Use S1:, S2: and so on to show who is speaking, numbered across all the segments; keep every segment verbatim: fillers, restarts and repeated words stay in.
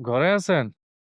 S1: ঘরে আছেন?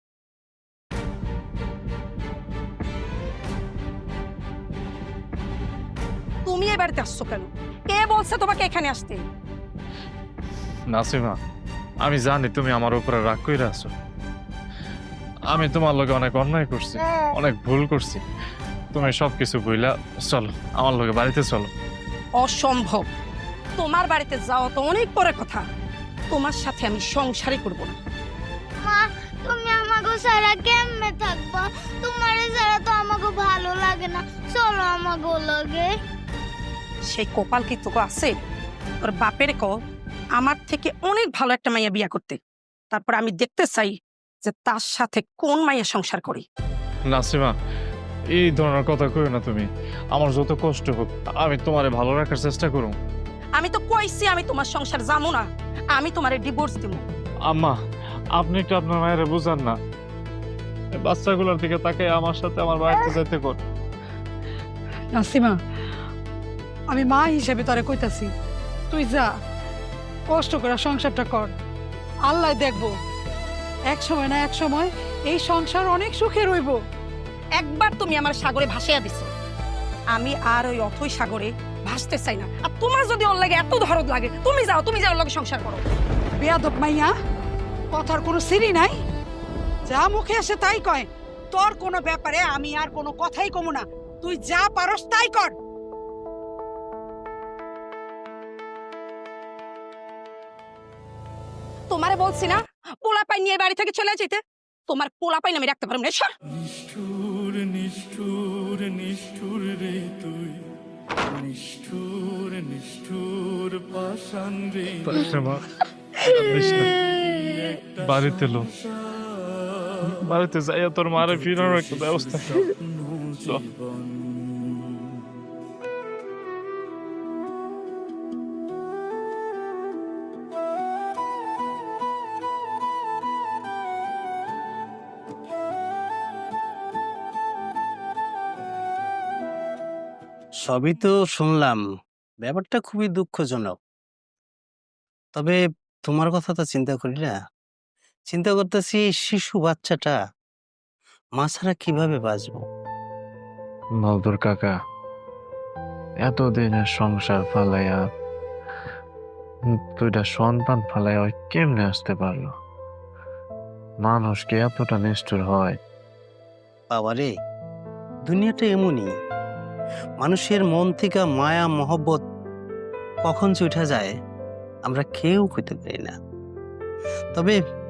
S2: তুমি এই বাড়িতে আসছো কেন? কে বলছে তোমাকে এখানে আসতে?
S1: নাসিমা, আমি জানি তুমি আমার উপরে রাগ কইরা আছো। আমি তোমার লগে অনেক অন্যায় করছি, অনেক ভুল করছি। তুমি সবকিছু ভুইলা চলো, আমার লগে বাড়িতে চলো।
S2: অসম্ভব। তোমার বাড়িতে যাওয়া তো অনেক পরে কথা। তোমার সাথে আমি সংসারই করব না।
S3: মা, তুমি আমাকে ছাড়া কেমনে থাকবা? তোমার ছাড়া তো আমাকে ভালো লাগে না। চলো আমাকে লাগে।
S2: সেই কপাল কি তোকে আছে? তোর বাপের কো আমার থেকে অনেক ভালো একটা মাইয়া বিয়া করতে, তারপর আমি দেখতে চাই যে তার সাথে কোন মাইয়া সংসার করি।
S1: নাসিমা, এই ধরনের কথা কইও না তুমি। আমার যত কষ্ট হোক, আমি তোমারে ভালো রাখার চেষ্টা করুম।
S2: আমি তো কইছি আমি তোমার সংসার যাবো না, আমি তোমারে ডিভোর্স দিব।
S1: আম্মা, আপনি একটু আপনার মায়ের বুঝান না। এই বাচ্চাগুলোর দিকে তাকে আমার সাথে আমার বাড়িতে যেতে কর।
S4: নাসিমা, আমি মা হিসেবে তোরে কইতাছি, তুই যা, কষ্ট করে সংসারটা কর। আল্লাহ দেখবো, এক সময় না এক সময় এই সংসার অনেক সুখে রইব।
S2: একবার তুমি আমার সাগরে ভাসিয়া দিছো, আমি আর ওই অথই সাগরে ভাসতে চাই না। আর তোমার যদি ওর লাগে এত দরদ লাগে, তুমি যাও, তুমি যাও, ওর লগে সংসার করো।
S4: বেয়াদব মাইয়া, কথার কোনো সিরি নাই, যা মুখে আসে তাই কয়। তোর কোনো ব্যাপারে আমি আর কোনো কথাই কমু না, তুই যা পারস তাই কর।
S2: তোমারে বলছি না পোলাপাই নিয়ে বাড়ি থেকে চলে যেতে, তোমার পোলাপাই আমি রাখতে পারবো না। সর।
S5: নিষ্ঠুর নিষ্ঠুর নিষ্ঠুর রে তুই, নিষ্ঠুর নিষ্ঠুর পাষাণ রে
S1: নাসিমা, বাড়িতে লো, বাড়িতে যাইয়া তোর মারে ফিরানোর একটা ব্যবস্থা কর। চল।
S6: সবই তো শুনলাম, ব্যাপারটা খুবই দুঃখজনক। তবে তোমার কথা তো চিন্তা করি না, চিন্তা করতেছি শিশু বাচ্চাটা মা ছাড়া কিভাবে বাঁচবো।
S1: মালদুর কাকা, এতদিনের সংসার ফালাইয়া দুইটা সন্তান ফালাইয়া ওই কেমনে আসতে পারলো? মানুষ কি এতটা নিষ্ঠুর হয়?
S6: বাবারে, দুনিয়াটা এমনই, মানুষের মন থেকে মায়া মহব্বত কখন যে উঠা যায় আমরা কেউ কইতে পারি না। তবে